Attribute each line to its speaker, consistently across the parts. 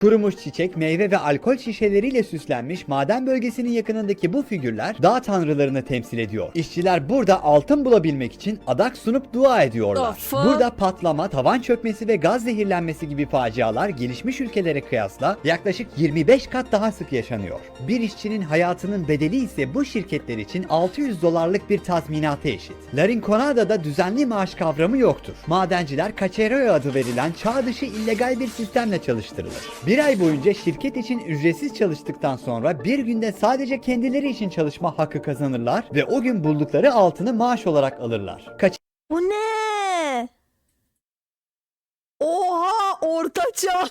Speaker 1: Kurumuş çiçek, meyve ve alkol şişeleriyle süslenmiş maden bölgesinin yakınındaki bu figürler dağ tanrılarını temsil ediyor. İşçiler burada altın bulabilmek için adak sunup dua ediyorlar. Burada patlama, tavan çökmesi ve gaz zehirlenmesi gibi facialar gelişmiş ülkelere kıyasla yaklaşık 25 kat daha sık yaşanıyor. Bir işçinin hayatının bedeli ise bu şirketler için $600 bir tazminata eşit. La Rinconada'da düzenli maaş kavramı yoktur. Madenciler Cachereo adı verilen çağ dışı illegal bir sistemle çalıştırılır. Bir ay boyunca şirket için ücretsiz çalıştıktan sonra bir günde sadece kendileri için çalışma hakkı kazanırlar ve o gün buldukları altını maaş olarak alırlar.
Speaker 2: Bu ne? Oha, ortaçağ.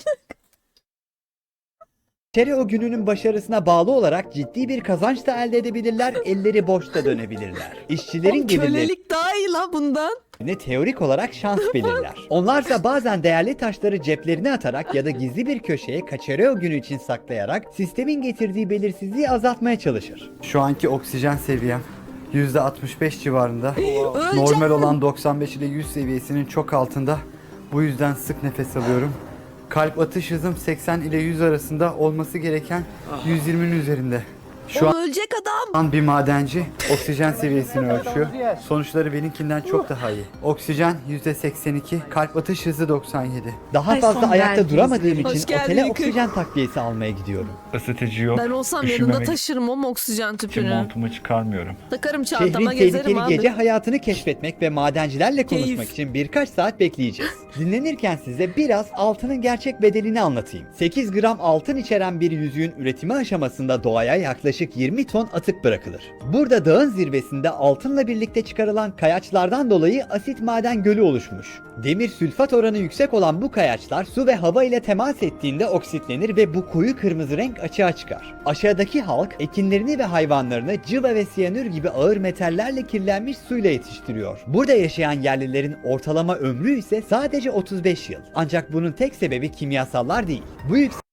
Speaker 1: Cachereo gününün başarısına bağlı olarak ciddi bir kazanç da elde edebilirler, elleri boşta dönebilirler. İşçilerin gelirleri
Speaker 2: Kölelik daha iyi la bundan.
Speaker 1: teorik olarak şans belirler. Onlarsa bazen değerli taşları ceplerine atarak ya da gizli bir köşeye Cachereo günü için saklayarak sistemin getirdiği belirsizliği azaltmaya çalışır. Şu anki oksijen seviyem %65 civarında. Normal olan 95 ile 100 seviyesinin çok altında. Bu yüzden sık nefes alıyorum. Kalp atış hızım 80 ile 100 arasında, olması gereken 120'nin üzerinde. Şu
Speaker 2: Ölecek adam.
Speaker 1: an bir madenci oksijen seviyesini ölçüyor. Sonuçları benimkinden çok daha iyi. Oksijen %82, kalp atış hızı 97. Daha fazla ayakta duramadığım
Speaker 2: Hoş
Speaker 1: için
Speaker 2: geldin
Speaker 1: otele
Speaker 2: Yıkık.
Speaker 1: oksijen takviyesi almaya gidiyorum.
Speaker 3: Isıtıcı yok.
Speaker 2: Ben olsam yanında
Speaker 3: Üşümemek
Speaker 2: taşırım o oksijen
Speaker 3: için
Speaker 2: tüpünü.
Speaker 3: montumu çıkarmıyorum.
Speaker 2: Takarım
Speaker 1: Şehrin
Speaker 2: çantama, gezerim
Speaker 1: tehlikeli
Speaker 2: abi.
Speaker 1: gece hayatını keşfetmek ve madencilerle konuşmak
Speaker 2: Keyif.
Speaker 1: için birkaç saat bekleyeceğiz. Dinlenirken size biraz altının gerçek bedelini anlatayım. 8 gram altın içeren bir yüzüğün üretimi aşamasında doğaya yaklaşık 20 ton atık bırakılır. Burada dağın zirvesinde altınla birlikte çıkarılan kayaçlardan dolayı asit maden gölü oluşmuş. Demir sülfat oranı yüksek olan bu kayaçlar su ve hava ile temas ettiğinde oksitlenir ve bu koyu kırmızı renk açığa çıkar. Aşağıdaki halk ekinlerini ve hayvanlarını cıva ve siyanür gibi ağır metallerle kirlenmiş suyla yetiştiriyor. Burada yaşayan yerlilerin ortalama ömrü ise sadece 35 yıl. Ancak bunun tek sebebi kimyasallar değil. Bu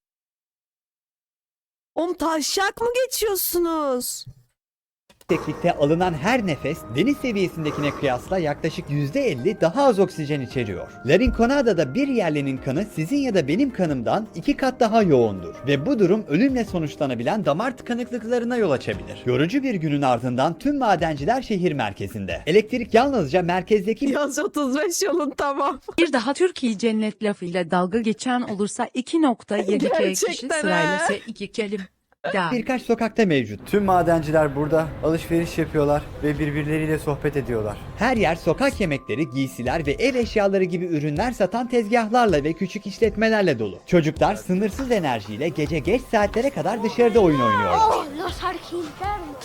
Speaker 2: Oğlum taşak mı geçiyorsunuz?
Speaker 1: yükseklikte alınan her nefes deniz seviyesindekine kıyasla yaklaşık %50 daha az oksijen içeriyor. La Rinconada'da bir yerlinin kanı sizin ya da benim kanımdan 2 kat daha yoğundur ve bu durum ölümle sonuçlanabilen damar tıkanıklıklarına yol açabilir. Yorucu bir günün ardından tüm madenciler şehir merkezinde. Elektrik yalnızca merkezdeki
Speaker 2: Yaz 35 yolun tamam.
Speaker 4: Bir daha Türkiye cennet lafıyla dalga geçen olursa 2.7K kişi
Speaker 2: Gerçekten
Speaker 4: sırayla
Speaker 2: ha.
Speaker 4: iki kelim. Da.
Speaker 1: birkaç sokakta mevcut. Tüm madenciler burada alışveriş yapıyorlar ve birbirleriyle sohbet ediyorlar. Her yer sokak yemekleri, giysiler ve ev eşyaları gibi ürünler satan tezgahlarla ve küçük işletmelerle dolu. Çocuklar sınırsız enerjiyle gece geç saatlere kadar dışarıda oyun oynuyorlar.
Speaker 5: Los argentinos.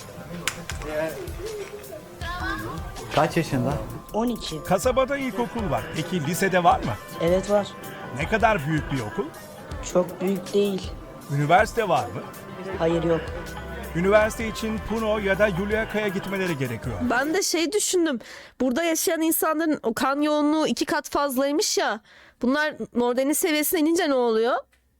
Speaker 1: Kaç yaşında?
Speaker 6: 12.
Speaker 7: Kasabada ilkokul var. Peki lisede var mı?
Speaker 6: Evet var.
Speaker 7: Ne kadar büyük bir okul?
Speaker 6: Çok büyük değil.
Speaker 7: Üniversite var mı?
Speaker 6: Hayır yok.
Speaker 7: Üniversite için Puno ya da Juliaca'ya gitmeleri gerekiyor.
Speaker 2: Ben de şey düşündüm. Burada yaşayan insanların o kan yoğunluğu 2 kat fazlaymış ya. Bunlar Nordeniz seviyesine inince ne oluyor?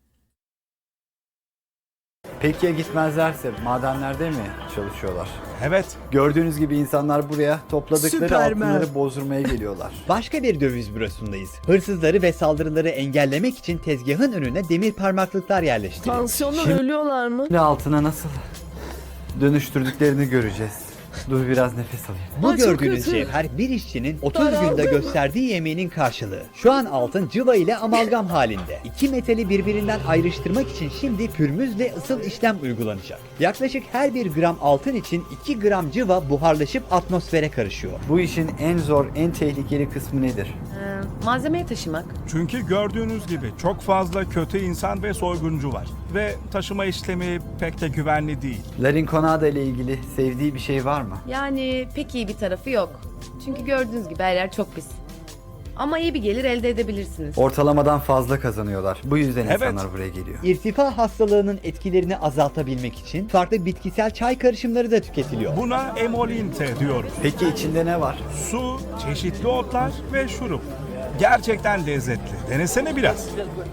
Speaker 1: Peki ya gitmezlerse madenlerde mi çalışıyorlar?
Speaker 7: Evet.
Speaker 1: Gördüğünüz gibi insanlar buraya topladıkları
Speaker 2: Süpermen.
Speaker 1: altınları bozdurmaya geliyorlar. Başka bir döviz bürosundayız. Hırsızları ve saldırıları engellemek için tezgahın önüne demir parmaklıklar yerleştirilmiş.
Speaker 2: Tansiyondan ölüyorlar mı?
Speaker 1: Şimdi altına nasıl dönüştürdüklerini göreceğiz. Dur biraz nefes alayım. Bu
Speaker 2: Ay, çok
Speaker 1: gördüğünüz
Speaker 2: kötü.
Speaker 1: cevher bir işçinin 30
Speaker 2: Daraldım.
Speaker 1: günde gösterdiği yemeğinin karşılığı. Şu an altın cıva ile amalgam halinde. İki metali birbirinden ayrıştırmak için şimdi pürmüzle ısıl işlem uygulanacak. Yaklaşık her bir gram altın için 2 gram cıva buharlaşıp atmosfere karışıyor. Bu işin en zor, en tehlikeli kısmı nedir?
Speaker 4: Malzemeyi taşımak.
Speaker 7: Çünkü gördüğünüz gibi çok fazla kötü insan ve soyguncu var. Ve taşıma işlemi pek de güvenli değil.
Speaker 1: La Rinconada ile ilgili sevdiği bir şey var mı?
Speaker 8: Yani pek iyi bir tarafı yok. Çünkü gördüğünüz gibi her yer çok pis. Ama iyi bir gelir elde edebilirsiniz.
Speaker 1: Ortalamadan fazla kazanıyorlar. Bu yüzden
Speaker 7: Evet.
Speaker 1: insanlar buraya geliyor. İrtifa hastalığının etkilerini azaltabilmek için farklı bitkisel çay karışımları da tüketiliyor.
Speaker 7: Buna emolinte diyoruz.
Speaker 1: Peki içinde ne var?
Speaker 7: Su, çeşitli otlar ve şurup. Gerçekten lezzetli. Denesene biraz.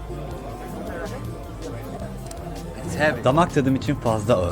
Speaker 1: Damak tadım için fazla ağır.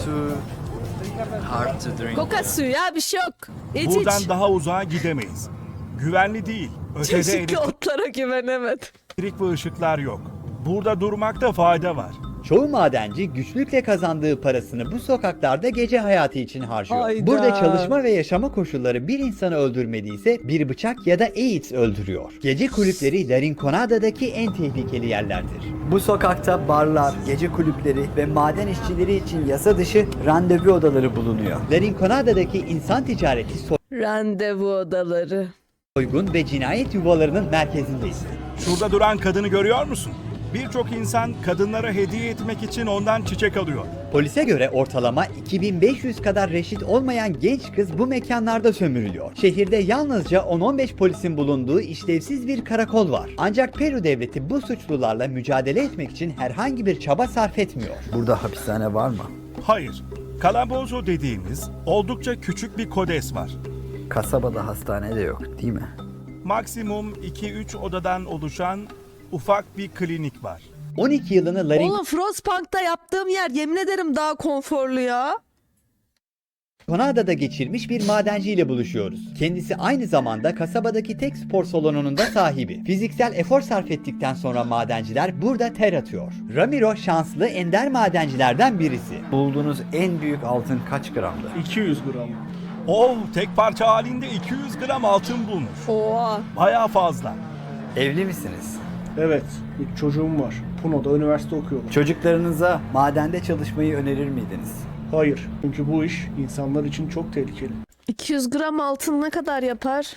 Speaker 2: Koka suyu ya, bir şey yok. İç
Speaker 7: Buradan
Speaker 2: iç.
Speaker 7: daha uzağa gidemeyiz. Güvenli değil. Ötede
Speaker 2: Çeşitli otlara güvenemedim.
Speaker 7: elektrik ve ışıklar yok. Burada durmakta fayda var.
Speaker 1: Çoğu madenci güçlükle kazandığı parasını bu sokaklarda gece hayatı için harcıyor.
Speaker 2: Hayda.
Speaker 1: Burada çalışma ve yaşama koşulları bir insanı öldürmediyse bir bıçak ya da AIDS öldürüyor. Gece kulüpleri La Rinconada'daki en tehlikeli yerlerdir. Bu sokakta barlar, gece kulüpleri ve maden işçileri için yasa dışı randevu odaları bulunuyor. La Rinconada'daki insan ticareti,
Speaker 2: Randevu odaları.
Speaker 1: soygun ve cinayet yuvalarının merkezindeyiz.
Speaker 7: Şurada duran kadını görüyor musun? Birçok insan kadınlara hediye etmek için ondan çiçek alıyor.
Speaker 1: Polise göre ortalama 2500 kadar reşit olmayan genç kız bu mekanlarda sömürülüyor. Şehirde yalnızca 10-15 polisin bulunduğu işlevsiz bir karakol var. Ancak Peru devleti bu suçlularla mücadele etmek için herhangi bir çaba sarf etmiyor. Burada hapishane var mı?
Speaker 7: Hayır, Calabozo dediğimiz oldukça küçük bir kodes var.
Speaker 1: Kasabada hastane de yok, değil mi?
Speaker 7: Maksimum 2-3 odadan oluşan ufak bir klinik var.
Speaker 1: 12 yılını La
Speaker 2: Oğlum Frostpunk'ta yaptığım yer yemin ederim daha konforlu ya.
Speaker 1: Rinconada'da geçirmiş bir madenciyle buluşuyoruz. Kendisi aynı zamanda kasabadaki tek spor salonunun da sahibi. Fiziksel efor sarf ettikten sonra madenciler burada ter atıyor. Ramiro şanslı ender madencilerden birisi. Bulduğunuz en büyük altın kaç gramdı?
Speaker 3: 200 gram.
Speaker 7: Oh, tek parça halinde 200 gram altın bulmuş.
Speaker 2: Oha.
Speaker 7: Bayağı fazla.
Speaker 1: Evli misiniz?
Speaker 3: Evet, 3 çocuğum var. Puno'da üniversite okuyorum.
Speaker 1: Çocuklarınıza madende çalışmayı önerir miydiniz?
Speaker 3: Hayır, çünkü bu iş insanlar için çok tehlikeli.
Speaker 2: 200 gram altın ne kadar yapar?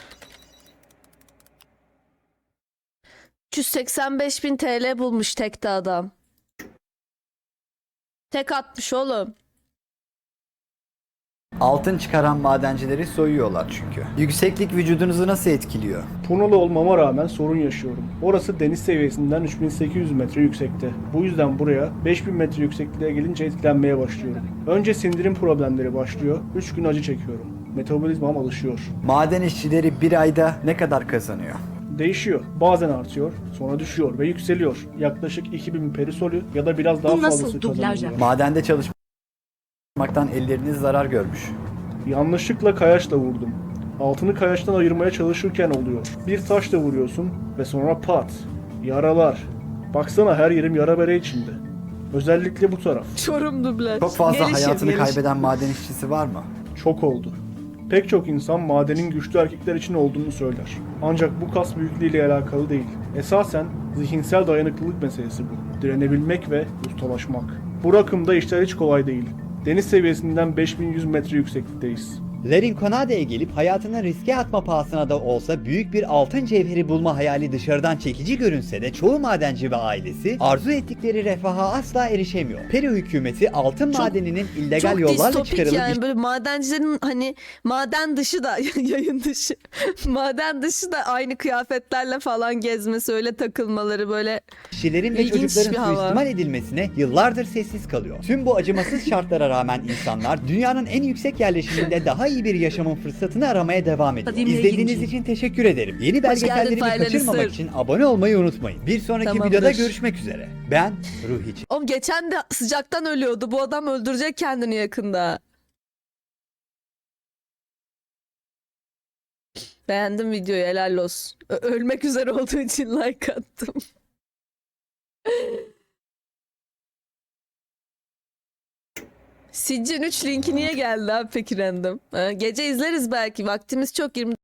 Speaker 2: 385.000 TL bulmuş tekte adam. Tek atmış oğlum.
Speaker 1: Altın çıkaran madencileri soyuyorlar çünkü. Yükseklik vücudunuzu nasıl etkiliyor?
Speaker 3: Puno'lu olmama rağmen sorun yaşıyorum. Orası deniz seviyesinden 3800 metre yüksekte. Bu yüzden buraya 5000 metre yüksekliğe gelince etkilenmeye başlıyorum. Önce sindirim problemleri başlıyor. 3 gün acı çekiyorum. Metabolizmam alışıyor.
Speaker 1: Maden işçileri bir ayda ne kadar kazanıyor?
Speaker 3: Değişiyor. Bazen artıyor, sonra düşüyor ve yükseliyor. Yaklaşık 2000 perisolü ya da biraz daha
Speaker 4: Bu nasıl
Speaker 3: fazlası
Speaker 4: dublaj
Speaker 3: kazanılıyor.
Speaker 1: Madende çalışmaktan elleriniz zarar görmüş.
Speaker 3: Yanlışlıkla kayaçla vurdum. Altını kayaçtan ayırmaya çalışırken oluyor. Bir taşla vuruyorsun ve sonra pat. Yaralar. Baksana her yerim yara bere içinde. Özellikle bu taraf.
Speaker 2: Çorum dublaj.
Speaker 1: Çok fazla
Speaker 2: Gelişim,
Speaker 1: hayatını
Speaker 2: gelişim.
Speaker 1: kaybeden maden işçisi var mı?
Speaker 3: Çok oldu. Pek çok insan madenin güçlü erkekler için olduğunu söyler. Ancak bu kas büyüklüğüyle alakalı değil. Esasen zihinsel dayanıklılık meselesi bu. Direnebilmek ve ustalaşmak. Bu rakımda işler hiç kolay değil. Deniz seviyesinden 5100 metre yükseklikteyiz.
Speaker 1: La Rinconada'ya gelip hayatını riske atma pahasına da olsa büyük bir altın cevheri bulma hayali dışarıdan çekici görünse de çoğu madenci ve ailesi arzu ettikleri refaha asla erişemiyor. Peru hükümeti altın
Speaker 2: Çok-
Speaker 1: madeninin illegal
Speaker 2: Çok
Speaker 1: yollarla
Speaker 2: distopik
Speaker 1: çıkarılıp
Speaker 2: yani böyle madencilerin hani maden dışı da yayın dışı maden dışı da aynı kıyafetlerle falan gezmesi öyle takılmaları böyle
Speaker 1: işçilerin ve
Speaker 2: İlginç
Speaker 1: çocukların
Speaker 2: bir hava.
Speaker 1: suistimal edilmesine yıllardır sessiz kalıyor. Tüm bu acımasız şartlara rağmen insanlar dünyanın en yüksek yerleşiminde daha iyi bir yaşamın fırsatını aramaya devam ediyor.
Speaker 4: Dinle
Speaker 1: İzlediğiniz
Speaker 4: ilginci.
Speaker 1: için teşekkür ederim. Yeni
Speaker 2: geldin
Speaker 1: belgesellerimi
Speaker 2: Faylalı
Speaker 1: kaçırmamak
Speaker 2: Sır.
Speaker 1: için abone olmayı unutmayın. Bir sonraki
Speaker 2: Tamamdır.
Speaker 1: videoda görüşmek üzere. Ben Ruhi.
Speaker 2: Oğlum geçen de sıcaktan ölüyordu. Bu adam öldürecek kendini yakında. Beğendim videoyu, helal olsun. Ölmek üzere olduğu için like attım. Siccin 3 linki niye geldi abi peki random? Ha, gece izleriz belki. Vaktimiz çok, 20